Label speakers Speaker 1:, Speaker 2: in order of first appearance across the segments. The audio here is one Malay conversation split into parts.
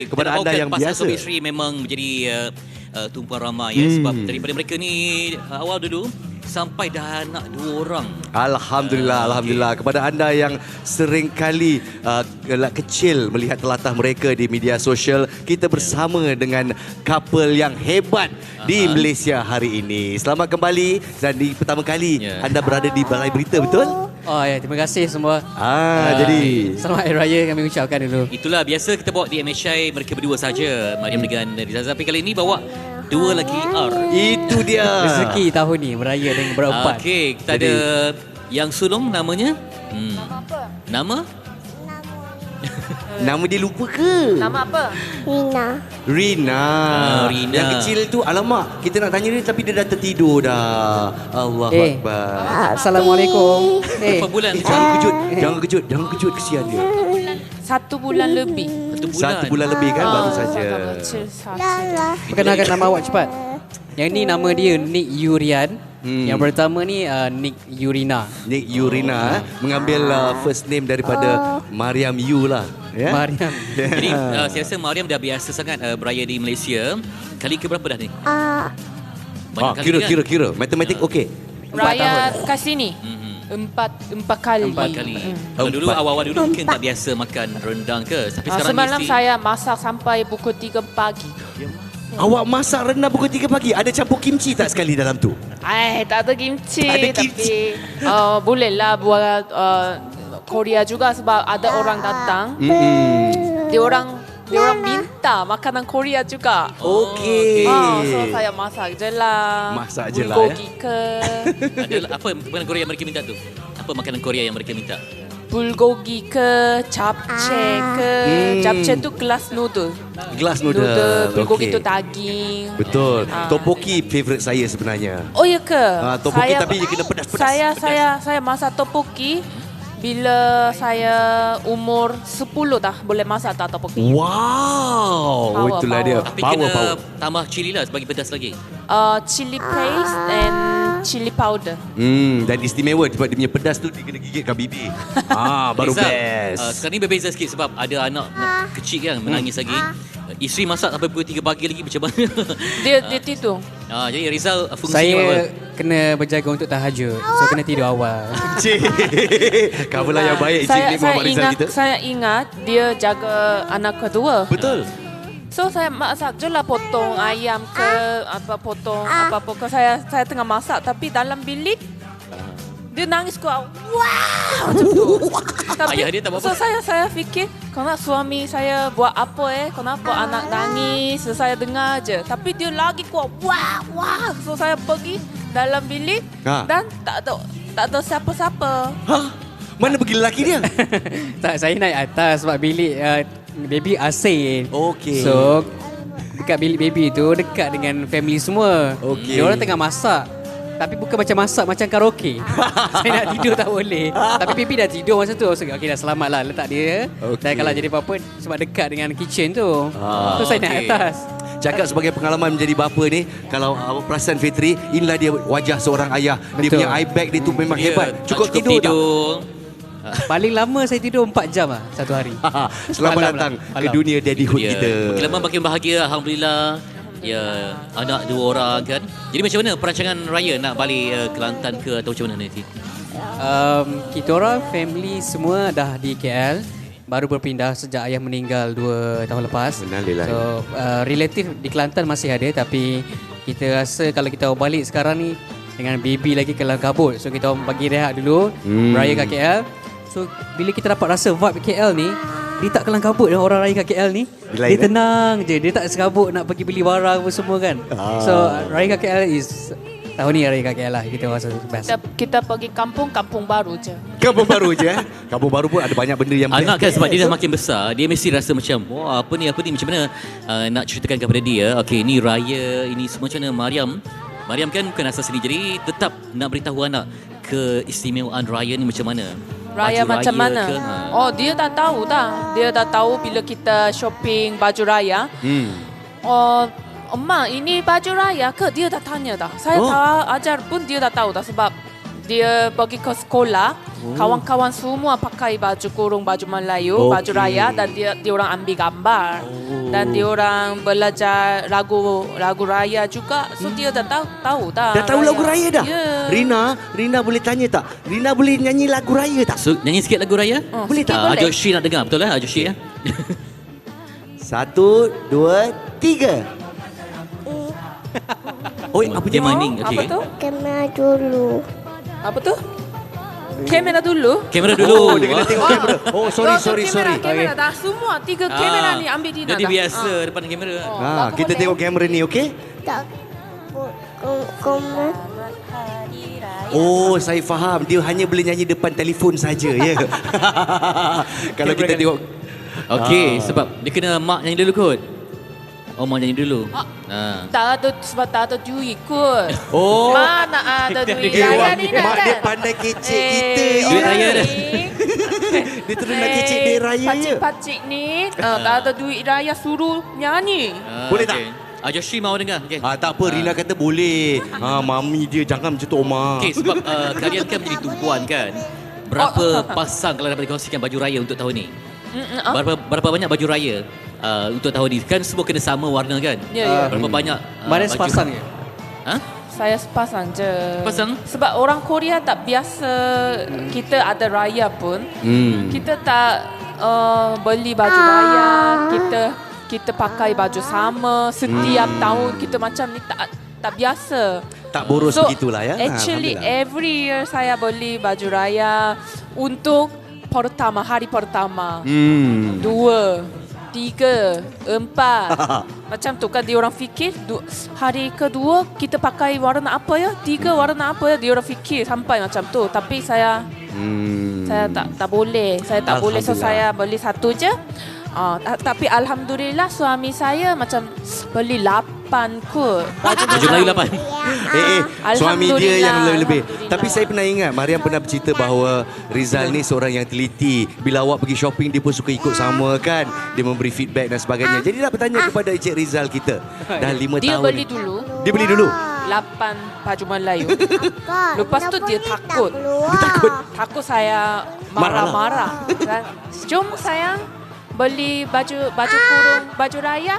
Speaker 1: kepada anda yang
Speaker 2: pasangan
Speaker 1: biasa.
Speaker 2: suami isteri memang menjadi tumpuan ramai ya, sebab daripada mereka ni awal dulu sampai dah anak 2 orang.
Speaker 1: Alhamdulillah. Kepada anda yang sering kali kecil melihat telatah mereka di media sosial, kita bersama dengan couple yang hebat di Malaysia hari ini. Selamat kembali dan di pertama kali anda berada di Balai Berita, betul?
Speaker 3: Oh ya, terima kasih semua.
Speaker 1: Jadi
Speaker 3: Selamat Hari Raya kami ucapkan dulu.
Speaker 2: Itulah biasa kita bawa di MHI mereka berdua saja, Mariam dengan Rizal. Tapi kali ini bawa 2 lagi R.
Speaker 1: itu dia.
Speaker 3: Rezeki tahun ni beraya dengan berempat.
Speaker 2: Okey, kita ada yang sulung namanya. Nama?
Speaker 1: Nama dia lupa ke?
Speaker 4: Nama apa?
Speaker 1: Rina.
Speaker 2: Rina.
Speaker 1: Yang kecil tu, alamak, kita nak tanya dia tapi dia dah tertidur dah. Allahuakbar.
Speaker 3: Assalamualaikum.
Speaker 2: Berapa bulan?
Speaker 1: Jangan kejut, kesian dia.
Speaker 4: 1 bulan lebih.
Speaker 1: 1 bulan lebih kan, baru saja.
Speaker 3: Perkenalkan nama awak cepat. Yang ni nama dia Nick Yurian. Yang pertama ni Nick Yurina.
Speaker 1: Nick Yurina mengambil first name daripada Mariam Yu lah. Ya?
Speaker 3: Mariam.
Speaker 2: Jadi saya rasa Mariam dah biasa sangat beraya di Malaysia. Kali ke berapa dah ni? Banyak kali kan?
Speaker 1: Kira. Matematik okey.
Speaker 4: Raya kat sini. Empat kali.
Speaker 2: 4 kali. Kalau dulu awal-awal dulu mungkin tak biasa makan rendang ke? Tapi sekarang
Speaker 4: Semalam
Speaker 2: mesti
Speaker 4: saya masak sampai pukul 3 pagi.
Speaker 1: Awak masak rendang pukul 3 pagi. Ada campur kimchi tak sekali dalam tu?
Speaker 4: Tak ada kimchi.
Speaker 1: Tak ada kimchi.
Speaker 4: Tapi bolehlah buat Korea juga sebab ada orang datang. Dia orang minta makanan Korea juga.
Speaker 1: Okey.
Speaker 4: So saya masak je lah.
Speaker 1: Masak je lah,
Speaker 4: Bulgogi ke.
Speaker 2: ada apa makanan Korea yang mereka minta tu? Apa makanan Korea yang mereka minta?
Speaker 4: Bulgogi ke, japchae ke. Japchae tu gelas noodle.
Speaker 1: Gelas noodle.
Speaker 4: Bulgogi
Speaker 1: Okey.
Speaker 4: tu daging.
Speaker 1: Betul. Topoki favourite saya sebenarnya.
Speaker 4: Oh ya ke?
Speaker 1: Topoki tapi dia kena pedas-pedas.
Speaker 4: Saya masak topoki bila saya umur 10 dah boleh masak tak topoki.
Speaker 1: Wow,
Speaker 4: Power,
Speaker 1: itulah
Speaker 4: power.
Speaker 1: dia.
Speaker 2: Tapi
Speaker 1: Power.
Speaker 2: kena tambah cili lah bagi pedas lagi.
Speaker 4: Chili paste and chili powder.
Speaker 1: Dan istimewa sebab dia punya pedas tu dia kena gigitkan bibir. Baru
Speaker 2: Rizal,
Speaker 1: best.
Speaker 2: sekarang ni berbeza sikit sebab ada anak kecil kan menangis lagi. Isteri masak sampai pukul 3 pagi lagi macam mana?
Speaker 4: Dia tidur.
Speaker 2: Jadi Rizal fungsinya apa?
Speaker 3: Saya kena berjaga untuk tahajud. So kena tidur awal.
Speaker 1: Cik. Kamulah yang baik Cik ni Muhammad Rizal kita.
Speaker 4: Saya ingat dia jaga anak kedua.
Speaker 1: Betul.
Speaker 4: So saya masak je lah potong ayam ke potong apa-apa ke. Saya tengah masak tapi dalam bilik dia nangis kuat. Wow macam tu. Tapi,
Speaker 2: Ayah dia tak apa-apa.
Speaker 4: So saya fikir kenapa suami saya buat apa kenapa anak nangis. So, saya dengar je. Tapi dia lagi kuat. Wah. So saya pergi dalam bilik dan tak ada siapa-siapa.
Speaker 1: Mana pergi lelaki dia?
Speaker 3: Tak, saya naik atas sebab bilik baby asin.
Speaker 1: Okey.
Speaker 3: So dekat bilik baby tu dekat dengan family semua.
Speaker 1: Okey.
Speaker 3: Dia orang tengah masak. Tapi bukan macam masak macam karaoke. Saya nak tidur tak boleh. Tapi baby dah tidur masa tu. So, okey dah selamat lah letak dia. Dan kalau jadi apa-apa sebab dekat dengan kitchen tu. So saya naik atas.
Speaker 1: Cakap sebagai pengalaman menjadi bapa ni, kalau awak perasan Fitri, inilah dia wajah seorang ayah. Dia
Speaker 3: Betul.
Speaker 1: punya eye bag dia tu memang hebat. Cukup tidur tak?
Speaker 3: Paling lama saya tidur 4 jam lah satu hari.
Speaker 1: Selamat datang ke dunia daddyhood kita.
Speaker 2: Makin lama makin bahagia, Alhamdulillah. Ya, anak 2 orang kan. Jadi macam mana perancangan raya nak balik Kelantan ke atau macam mana nanti?
Speaker 3: Kita orang family semua dah di KL. Baru berpindah sejak ayah meninggal 2 tahun lepas.
Speaker 1: Innalillahi.
Speaker 3: So relatif di Kelantan masih ada. Tapi kita rasa kalau kita balik sekarang ni dengan baby lagi kelam kabut. So kita orang bagi rehat dulu, beraya kat KL. So bila kita dapat rasa vibe KL ni, dia tak kelam kabut dengan orang raya kat KL ni. Dia tenang je, dia tak sekabut nak pergi beli barang apa semua kan. So raya kat KL is tahun ni raya kat KL lah, kita rasa best.
Speaker 4: Kita pergi kampung baru je.
Speaker 1: Kampung baru je. Kampung baru pun ada banyak benda yang
Speaker 2: Anak kan sebab dia dah makin besar, dia mesti rasa macam wah apa ni macam mana nak ceritakan kepada dia. Okey, ni raya, ini semua macam mana Mariam kan bukan asal sini, jadi tetap nak beritahu anak keistimewaan raya ni macam mana.
Speaker 4: Raya
Speaker 2: Baju
Speaker 4: macam mana?
Speaker 2: ke,
Speaker 4: Dia dah tahu dah. Dia dah tahu bila kita shopping baju raya. Mak, ini baju raya ke? Dia dah tanya dah. Saya tak ajar pun dia dah tahu dah sebab dia pergi ke sekolah, kawan-kawan semua pakai baju kurung, baju Melayu, baju raya dan dia orang ambil gambar. Dan dia orang belajar lagu raya juga. So dia dah tahu dah.
Speaker 1: Dah tahu lagu raya dah?
Speaker 4: Ya.
Speaker 1: Rina boleh tanya tak? Rina boleh nyanyi lagu raya tak?
Speaker 2: So, nyanyi sikit lagu raya?
Speaker 1: Boleh tak?
Speaker 4: boleh.
Speaker 2: Joshi nak dengar, betul lah Joshi ya?
Speaker 1: 1, 2, 3. Oh, apa
Speaker 2: Dia
Speaker 1: dia?
Speaker 2: maning,
Speaker 4: Apa
Speaker 2: okey.
Speaker 4: tu?
Speaker 5: Kamera dulu.
Speaker 4: Apa tu? Kamera dulu.
Speaker 2: Kamera dulu.
Speaker 1: Oh, dia kena tengok kamera. Oh, sorry.
Speaker 4: Kamera dah semua 3 kamera ni ambil Dina
Speaker 2: Jadi
Speaker 4: dah.
Speaker 2: biasa depan kamera.
Speaker 1: Kita tengok kamera ni, okey?
Speaker 5: Tak. Kamera.
Speaker 1: Oh, saya faham. Dia hanya boleh nyanyi depan telefon saja, ya. Kalau kita tengok
Speaker 2: Okey, sebab dia kena mak nyanyi dulu kot. Oh, mak nyanyi dulu.
Speaker 4: Tak ada sebab tak ada duit kot.
Speaker 1: Oh.
Speaker 4: Mana ada duit
Speaker 1: Eh,
Speaker 4: raya ni
Speaker 1: mak
Speaker 4: nak
Speaker 1: dia pandai kecek kita.
Speaker 2: Duit raya dah.
Speaker 1: Dia terus nak kecek duit raya je.
Speaker 4: Pacik ni tak ada duit raya suruh nyanyi.
Speaker 1: Boleh tak?
Speaker 2: Joshi mau dengar. Okey.
Speaker 1: Tak apa, Rina kata boleh. Mami dia jangan macam tu, Oma.
Speaker 2: Okey, sebab kalian kan menjadi tumpuan kan. Berapa pasang kalau dapat dikongsikan baju raya untuk tahun ni? Berapa banyak baju raya untuk tahun ni? Kan semua kena sama warna kan?
Speaker 4: Ya.
Speaker 2: Berapa banyak
Speaker 3: Mana
Speaker 2: baju?
Speaker 3: sepasang je?
Speaker 2: Ha?
Speaker 4: Saya sepasang je.
Speaker 2: Sepasang?
Speaker 4: Sebab orang Korea tak biasa kita ada raya pun. Kita tak beli baju raya. Kita pakai baju sama setiap tahun. Kita macam ni tak biasa.
Speaker 1: Tak boros begitulah ya.
Speaker 4: Actually
Speaker 1: Alhamdulillah.
Speaker 4: every year saya beli baju raya untuk hari pertama. 2, 3, 4. Macam tu kan dia orang fikir hari kedua kita pakai warna apa ya? 3 warna apa ya? Dia orang fikir sampai macam tu. Tapi saya tak boleh. Saya tak boleh, so saya beli satu je. Tapi alhamdulillah suami saya macam beli 8 kot.
Speaker 2: Baju Melayu 8.
Speaker 1: Suami dia yang lebih-lebih.
Speaker 4: Alhamdulillah.
Speaker 1: Tapi saya pernah ingat Mariam pernah bercerita bahawa Rizal ni seorang yang teliti. Bila awak pergi shopping dia pun suka ikut sama kan. Dia memberi feedback dan sebagainya. Jadi nak bertanya kepada Encik Rizal kita. Dah 5
Speaker 4: Dia
Speaker 1: tahun.
Speaker 4: beli dulu
Speaker 1: Dia beli dulu.
Speaker 4: 8 baju Melayu. Lepas tu dia takut.
Speaker 1: Dia takut.
Speaker 4: Takut saya marah-marah. Kan? Jom sayang beli baju kurung, baju raya.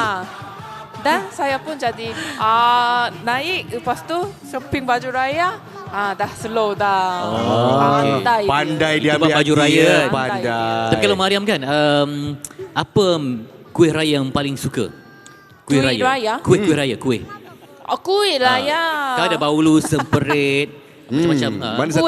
Speaker 4: Dan saya pun jadi naik. Lepas tu shopping baju raya. Dah slow dah. Pandai.
Speaker 1: Pandai dia
Speaker 2: Itu
Speaker 1: ambil
Speaker 2: baju
Speaker 1: hati,
Speaker 2: raya.
Speaker 1: ya. Pandai.
Speaker 2: Tapi kalau Mariam kan, apa kuih raya yang paling suka? Kuih
Speaker 4: Kuih raya?
Speaker 2: Kuih raya, kuih.
Speaker 4: Kuih raya.
Speaker 2: Kan ada baulu, semperit, macam-macam.
Speaker 1: Mana satu?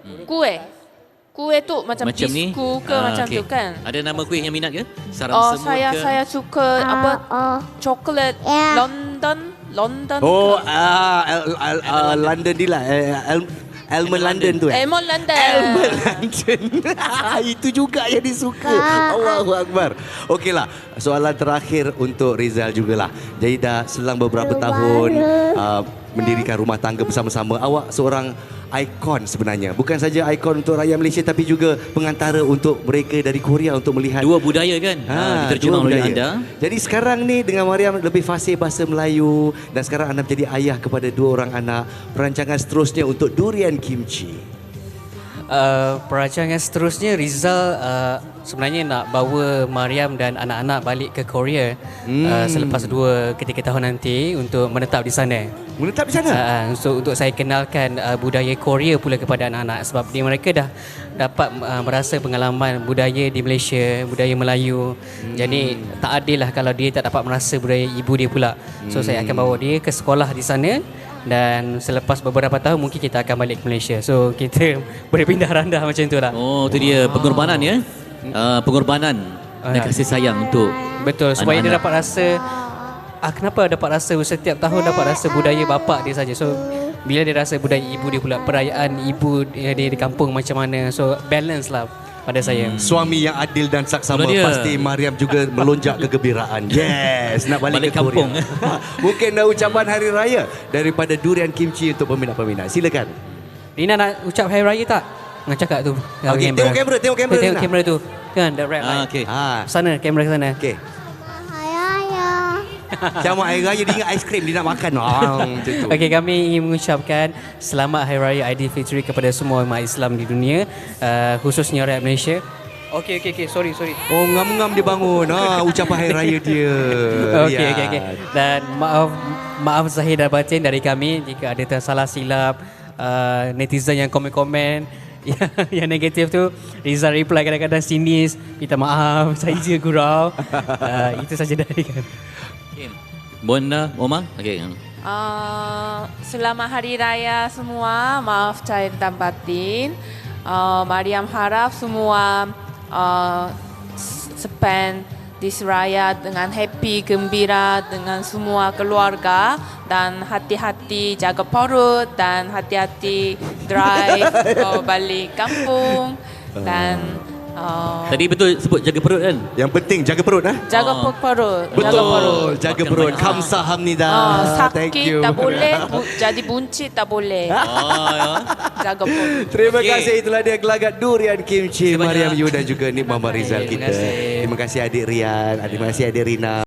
Speaker 4: Kuih tu macam
Speaker 2: ni?
Speaker 4: bisku ke macam
Speaker 2: okey.
Speaker 4: tu kan.
Speaker 2: Ada nama kuih yang minat ke? Sarang semut ke?
Speaker 4: Saya suka coklat London.
Speaker 1: Oh, London ni lah. Almond London tu
Speaker 4: Almond London.
Speaker 1: Almond London. Itu juga yang disuka. Allahu Akbar. Okeylah, soalan terakhir untuk Rizal jugalah. Jadi dah selang beberapa tahun mendirikan rumah tangga bersama-sama. Awak seorang ikon sebenarnya. Bukan saja ikon untuk rakyat Malaysia tapi juga pengantara untuk mereka dari Korea untuk melihat
Speaker 2: Dua budaya kan? Diterjemah
Speaker 1: dua
Speaker 2: oleh
Speaker 1: budaya.
Speaker 2: anda.
Speaker 1: Jadi sekarang ni dengan Mariam lebih fasih bahasa Melayu dan sekarang anda menjadi ayah kepada 2 orang anak. Perancangan seterusnya untuk durian kimchi.
Speaker 3: Perancangan seterusnya Rizal sebenarnya nak bawa Mariam dan anak-anak balik ke Korea selepas 2 ke 3 tahun nanti untuk menetap di sana.
Speaker 1: Menetap di sana?
Speaker 3: Untuk saya kenalkan budaya Korea pula kepada anak-anak sebab mereka dah dapat merasa pengalaman budaya di Malaysia, budaya Melayu. Jadi tak adil lah kalau dia tak dapat merasa budaya ibu dia pula. So saya akan bawa dia ke sekolah di sana dan selepas beberapa tahun mungkin kita akan balik ke Malaysia. So kita boleh pindah randah macam tu lah.
Speaker 2: Oh, tu dia pengorbanan ya. Pengorbanan dan kasih sayang untuk
Speaker 3: Betul, supaya dia
Speaker 2: anak-anak.
Speaker 3: dapat rasa kenapa dapat rasa setiap tahun dapat rasa budaya bapa dia saja. So bila dia rasa budaya ibu dia pula, perayaan ibu dia di kampung macam mana. So balance lah pada saya.
Speaker 1: Suami yang adil dan saksama.
Speaker 2: Itulah dia.
Speaker 1: Pasti Mariam juga melonjak kegembiraan. Yes, nak balik,
Speaker 2: Balik
Speaker 1: ke Korea.
Speaker 2: kampung.
Speaker 1: Mungkin ucapan hari raya daripada durian kimchi untuk peminat-peminat. Silakan.
Speaker 3: Rina nak ucap hari raya tak? Nak cakap tu.
Speaker 1: Okey, tengok kamera, tengok kamera,
Speaker 3: Tengok
Speaker 1: Rina.
Speaker 3: kamera tu. Kan, the red light.
Speaker 2: Okey.
Speaker 3: Sana, kamera ke sana.
Speaker 1: Okey.
Speaker 5: Raya.
Speaker 1: Macam Hari Raya dia ingat aiskrim, dia nak makan. Macam tu.
Speaker 3: Okey, kami ingin mengucapkan selamat Hari Raya Aidilfitri kepada semua umat Islam di dunia, khususnya rakyat Malaysia. Okey, sorry.
Speaker 1: Oh, ngam-ngam dia bangun. Ucapan Hari Raya dia.
Speaker 3: Okey. Dan maaf zahir dan batin dari kami jika ada tersalah silap, netizen yang komen-komen yang negatif tu. Rizal reply kadang-kadang sinis, minta maaf, saya je gurau. Itu saja dari kami.
Speaker 2: Okay. Bonda, Omar. Okey.
Speaker 4: Selamat Hari Raya semua. Maaf zahir dan batin. Mariam harap semua spend this raya dengan happy, gembira dengan semua keluarga dan hati-hati jaga perut dan hati-hati drive balik kampung dan
Speaker 2: Tadi betul sebut jaga perut kan?
Speaker 1: Yang penting jaga perut.
Speaker 4: jaga perut.
Speaker 1: Betul, jaga
Speaker 2: Makan
Speaker 1: perut.
Speaker 2: banyak.
Speaker 1: Kamsahamnida. Thank
Speaker 4: Sakit
Speaker 1: you.
Speaker 4: tak boleh, jadi buncit tak boleh.
Speaker 2: Ya.
Speaker 4: Jaga perut.
Speaker 1: Terima
Speaker 2: Okey.
Speaker 1: kasih, itulah dia gelagat durian kimchi
Speaker 2: Terima kasih
Speaker 1: Mariam
Speaker 2: banyak.
Speaker 1: Yu dan juga Nik Muhammad Rizal
Speaker 3: Terima
Speaker 1: kita.
Speaker 3: kasih.
Speaker 1: Terima kasih adik Rian, terima kasih adik Rina.